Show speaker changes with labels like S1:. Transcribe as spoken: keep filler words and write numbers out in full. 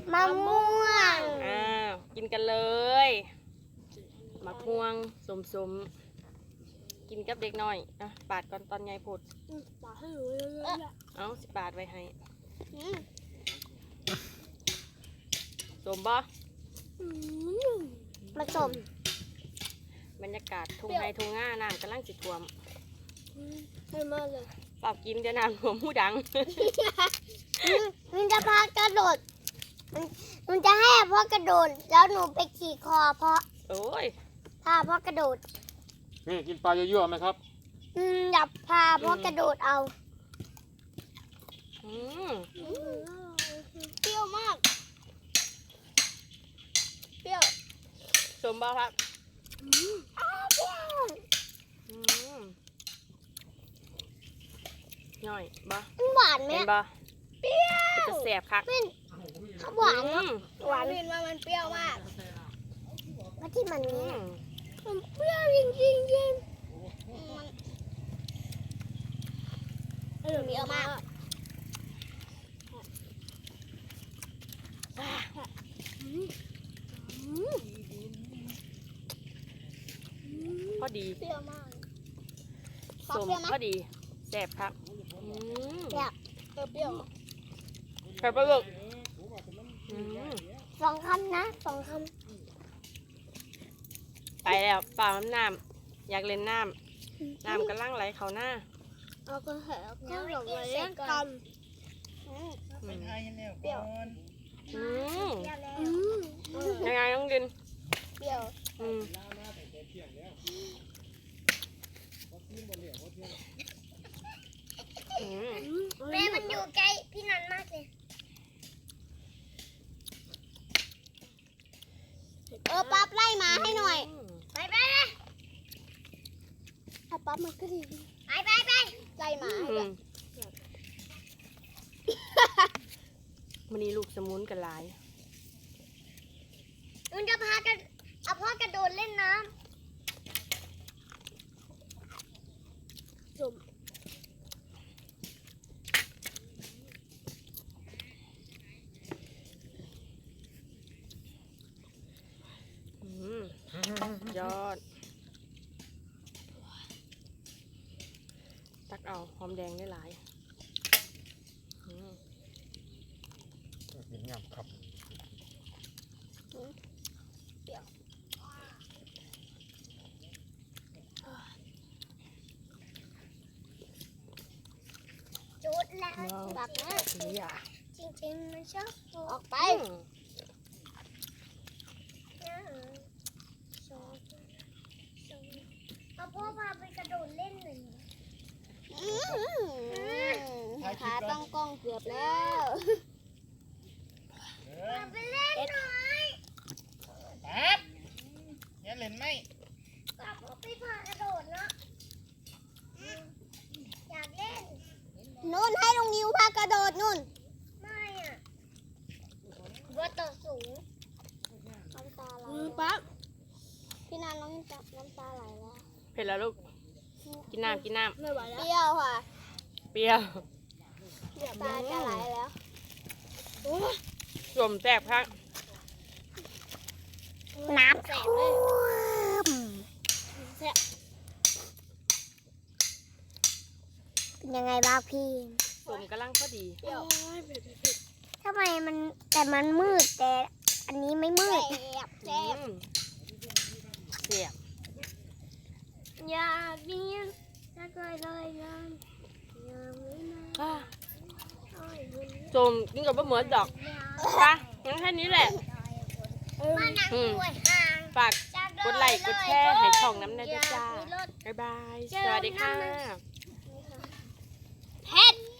S1: มะม่วง
S2: อ้าวกินกันเลยมะม่วงสมๆกินกับเด็กน้อยอ่ะปาดก่อนตอนใหญ่พูด
S1: ปาดให้หนูเยอะๆ
S2: เอาสิปาดไว้ให้
S1: อืม
S2: สมบ่
S1: อืมผสม
S2: บรรยากาศทุ่งไร่ทุ่งนาน้ำกำลังสิท่วม
S1: ให้มากเลย
S2: เปล่ากินเดี๋ยวน้ำท่วมหูดัง
S1: มันจะพากระโดดมันมันจะให้พ่อกระโดดแล้วหนูไปขี่คอเพราะ
S2: โอ้ย
S1: พาพ่อกระโดด
S3: นี่กินปลาเยอะๆไหมครับ
S1: อืมอยากพาพ่อกระโดดเอา
S2: อืม
S1: เปรี้ยวมากเปรี้ยว
S2: สมบ่ครับ
S1: อ้าวเปรี้ยว
S2: อืมย่อยบ่
S1: มันหวานไหม
S2: เห็น
S1: อะ
S2: บ่
S1: เปรี้ยว
S2: จะแสบคัก
S1: เป็นหวาน
S2: อื
S1: เนาะ
S2: ม
S1: หวานเห็นว่ามันเปรี้ยวมากว่าที่มัน
S2: อื
S1: นี้
S2: ม
S1: มันเปรี้ยวจริงจริงจริงมันเปรี้ยวมาก
S2: พอดี
S1: เปรี้ยวมาก
S2: สมพอดีแสบครับอืม
S1: เปรี้ยวเออเปรี้ยว
S2: ใครปลาหมึกอืม
S1: สองคำนะสองค
S2: ไปแล้วเปล่าน้ำน้ำอยากเล่นน้
S1: ำ
S2: ำน้ำกำลังไหลเข้าหน้า
S1: เอาก็เหอะก็หลงเลยยังคำ
S2: อืม
S4: เป็นไทยแล้วก่อน
S2: อืม
S1: อืม
S2: ยังไงน้องดิน
S1: เปรี้ยว
S2: อืมอืม
S1: แม่มันอยู่ใกล้พี่นันมากเลยเออปั๊บไล่หมาให้หน่อย ไปไปไปถ้าปั๊บมันก็ดีไปไปไปไล่หมาให้
S2: อื
S1: ด้วย
S2: มวันนี้ลูกสมุนกันหลาย
S1: มันจะพากันเอาพ่อกระโดดเล่นน้ำจม
S2: อืมยอด ตักเอาหอมแดงได้หลายอืม
S3: กินงามครับ
S1: จุดแล้วแบบนี้
S2: นี่อ่ะ
S1: จริงๆมันชอบออกไป
S2: อืม
S1: เอาพ่อพาไปกระโดดเล่นหน่อยขาต้องกล้องเกือบแล้ว
S4: เออ
S1: พาไปเล่นหน่อย
S4: แป๊บอย่าเล่นไหม
S1: กลับไปพากระโดดเนาะอยากเล่นนู่นให้ลุงยิวพากระโดดนู่นไม่อ่ะว่าต่อสูงน้ำตาไหลปั๊บพี่นันน้องน้ำตาไหลแล้ว
S2: เผ็ดแล้วลูก กินน้ำกินน้
S1: ไม่ไหวแล้วเปรี้ยวค่ะ
S2: ำเปรี้ยว
S1: ตาจะไหลแล้ว
S2: สวมแซ่บครับ
S1: น้ำแสบเลยแสบเป็นยังไงบ้างพี่
S2: สวมกำลังพอดี
S1: เปรี้ยวทำไมมันแต่มันมืดแต่อันนี้ไม่มืดแสบ
S2: อืมแซ่บ
S1: อย่าบินถ้าเคยเลยนะอย่าบินนะ
S2: อ่า
S1: โอ้ยบิน
S2: สวมกินกับบะหมี่ดอกปะงั้นแค่นี้แหละ
S1: มานั่งด้วยห่าง
S2: ฝากกดไลค์กดแชร์ให้ช่องน้ำแน่ด้วยจ้า บ๊ายบาย สวัสดีค่ะ
S1: เพชร